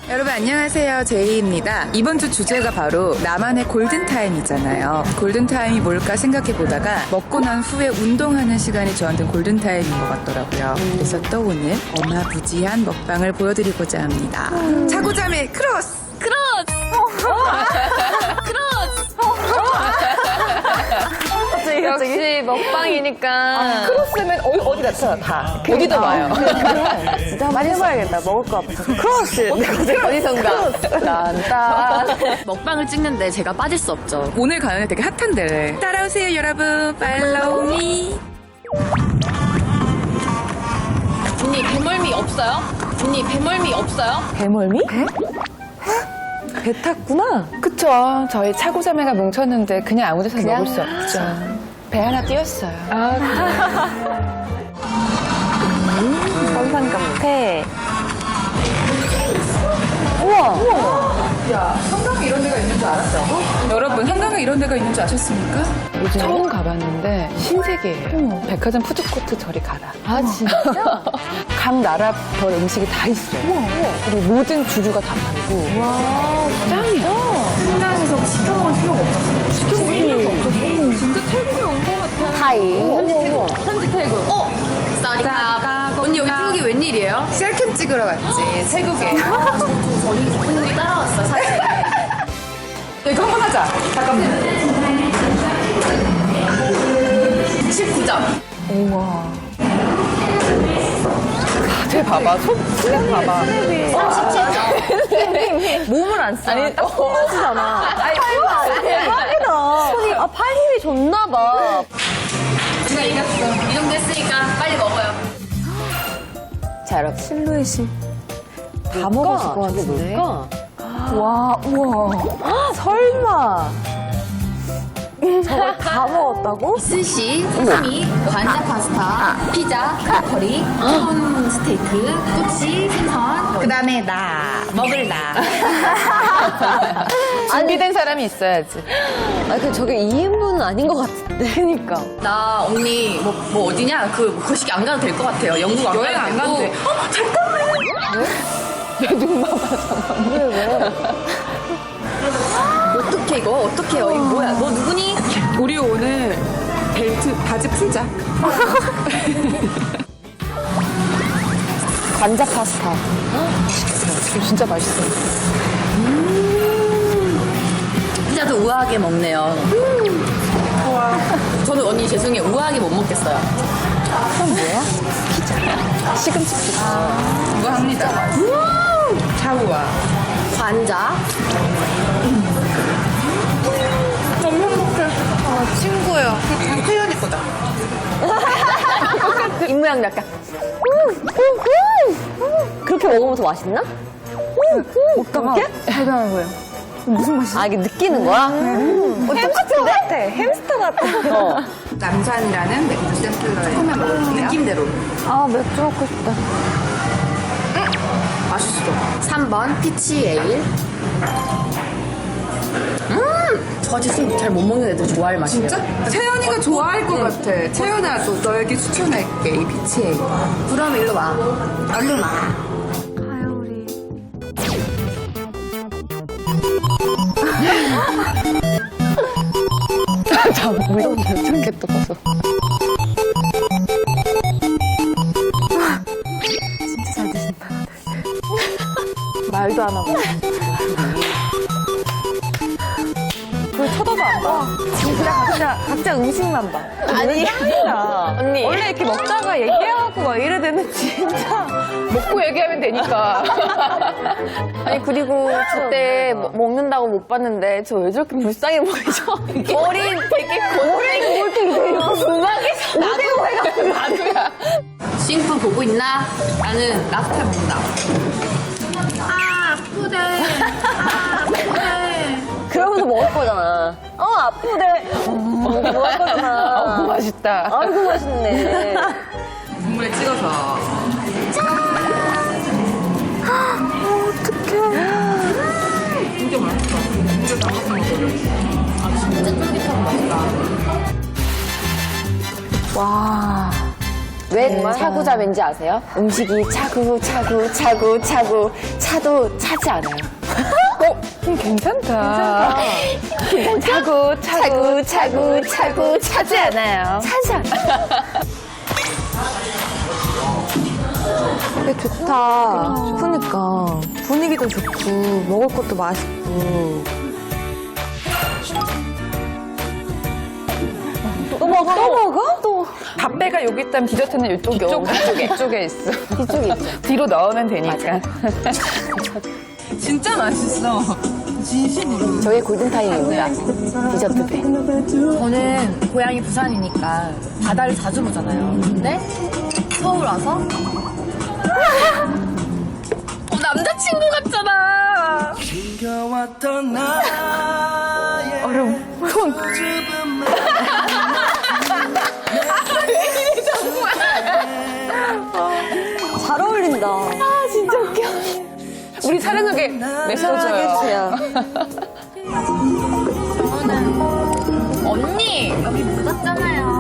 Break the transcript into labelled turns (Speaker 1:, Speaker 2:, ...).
Speaker 1: 여러분 안녕하세요, 제이입니다. 이번 주 주제가 바로 나만의 골든타임이잖아요. 골든타임이 뭘까 생각해보다가 먹고 난 후에 운동하는 시간이 저한테는 골든타임인 것 같더라고요. 그래서 또 오늘 어마부지한 먹방을 보여드리고자 합니다. 자고자매 크로스!
Speaker 2: 역시 먹방이니까.
Speaker 3: 크로스면 어디 나타나 다.
Speaker 2: 어디도 봐요.
Speaker 3: 진짜 한번 해봐야겠다. 먹을 거 같아서. 크로스.
Speaker 2: 어디선가. 딴딴.
Speaker 4: 먹방을 찍는데 제가 빠질 수 없죠.
Speaker 1: 오늘 가요는 되게 핫한데 따라오세요 여러분, 팔로우 미.
Speaker 4: 언니 배멀미 없어요? 언니 배멀미 없어요?
Speaker 3: 배멀미? 배 탔구나.
Speaker 2: 그쵸. 저희 차고자매가 뭉쳤는데 그냥 아무 데서나 먹을 수 없죠. 배 하나 띄었어요.
Speaker 3: 선상감태.
Speaker 1: 한강에 이런 데가 있는 줄 알았죠? 여러분 한강에 이런 데가 있는 줄 아셨습니까?
Speaker 2: 요즘 처음 가봤는데 신세계예요. 백화점 푸드코트 저리 가라.
Speaker 3: 아, 진짜?
Speaker 2: 각 나라 별 음식이 다 있어요. 그리고 모든 주류가 다 팔고.
Speaker 3: 와,
Speaker 2: 짱이야.
Speaker 1: 한강에서 시켜먹을 필요가 없었어요. 시켜먹을 필요가 없었어요. 진짜 태국에 온 것 같아.
Speaker 3: 타이.
Speaker 4: 현지 태국. 쌀이카. 언니 여기 태국이 웬일이에요?
Speaker 1: 셀캠 찍으러 갔지, 태국에.
Speaker 4: 언니 따라왔어 사실.
Speaker 1: 이거 한번 하자. 잠깐만.
Speaker 4: 19점.
Speaker 2: 쟤 봐봐. 손 봐봐.
Speaker 4: 17점.
Speaker 3: 몸을 안 써. 아니, 딱 손맛이잖아. 아니, 대박이다. 손이, 팔 힘이 좋나봐.
Speaker 4: 누가 이겼어. 이 정도 했으니까 빨리 먹어요.
Speaker 3: 자, 여러분. 실루엣이. 다 먹었을 것 같은데. 와, 우와. 설마. 저걸 다 먹었다고?
Speaker 4: 스시, 사시미, 관자 파스타, 피자, 크로커리, 티본 스테이크, 꼬치, 생선. 그 다음에 나. 먹을 나.
Speaker 2: 준비된 사람이 있어야지.
Speaker 3: 아, 저게 2인분은 아닌 것 같은데. 그니까.
Speaker 4: 나 언니 뭐 어디냐? 그 거시기 안 가도 될 것 같아요. 영국 안
Speaker 1: 여행
Speaker 4: 가도
Speaker 1: 안
Speaker 4: 되고.
Speaker 1: 가도 돼.
Speaker 4: 어떡해 이거? 어떡해요? 이거 뭐야? 너 누구니?
Speaker 1: 우리 오늘 벨트, 바지 풀자.
Speaker 3: 관자 파스타.
Speaker 2: 이거 진짜 맛있어.
Speaker 4: 피자도 우아하게 먹네요. 저는 언니 죄송해요. 우아하게 못 먹겠어요.
Speaker 2: 시금치 피자.
Speaker 1: 이거 합니다. 차우와.
Speaker 4: 관자.
Speaker 1: 너무 행복해.
Speaker 4: 친구예요.
Speaker 1: 태연이 거다.
Speaker 3: 입모양도 약간. 그렇게 먹으면 더 맛있나? 먹다가 대단한 거예요. 무슨 맛이야? 아, 이게 느끼는 거야? 햄스터 같아. 햄스터 같아.
Speaker 1: 남산이라는 맥주 샘플러에 처음에 먹을게요.
Speaker 4: 느낌대로.
Speaker 3: 아, 맥주 먹고 싶다.
Speaker 1: 맛있어.
Speaker 4: 3번 피치 에일. 저같이 술 잘 못 먹는 애들 좋아할 맛이에요.
Speaker 1: 진짜? 채연이가 좋아할 것 같아. 채연아, 너에게 추천할게, 이 피치에이.
Speaker 4: 그럼 일로 와. 얼른 와.
Speaker 3: 가요, 우리.
Speaker 2: 자, 무서운데 저렇게 또 봐서.
Speaker 3: 진짜 잘 드신다. 말도 안 하고. 그걸 쳐다도 안 봐. 진짜 각자 음식만 봐. 아니, 아니다.
Speaker 2: 언니.
Speaker 3: 원래 이렇게 먹다가 얘기하고 막 이래 되는 진짜.
Speaker 2: 먹고 얘기하면 되니까.
Speaker 3: 아니, 그리고 그때 먹는다고 못 봤는데 저 왜 저렇게 불쌍해 보이죠? 머리 되게 고데기 뭘 이렇게 음악에서 오대고 해가지고.
Speaker 2: 나도야.
Speaker 4: 싱프 보고 있나? 나는 랍스터 먹는다. 아, 아프대. 아, 아프대.
Speaker 3: 그러면서 먹을 거잖아. 아프대. 먹을 거잖아.
Speaker 2: 맛있다.
Speaker 3: 아이고, 맛있네.
Speaker 1: 국물에 찍어서. 진짜 맛있어. 진짜 맛있어.
Speaker 4: 진짜 쫄깃하고 맛있다.
Speaker 3: 와. 왜 왜 차구자매인지 아세요? 음식이 차도 차지 않아요.
Speaker 2: 괜찮다.
Speaker 3: 차지 않아요. 차지 않아요.
Speaker 5: 되게 좋다. 그러니까 분위기도 좋고 먹을 것도 맛있고. 또 먹어? 또.
Speaker 2: 밥배가 여기 있다면 디저트는 이쪽에 있어.
Speaker 3: 이쪽에 있죠.
Speaker 2: 뒤로 넣으면 되니까.
Speaker 1: 진짜 맛있어. 진심으로.
Speaker 3: 저희 골든타임입니다. 디저트 배.
Speaker 4: 저는 고향이 부산이니까 바다를 자주 보잖아요. 근데 서울 와서 남자친구 같잖아.
Speaker 5: 잘 어울린다.
Speaker 2: 우리 촬영하게 내서줘요.
Speaker 4: 언니 여기 묻었잖아요.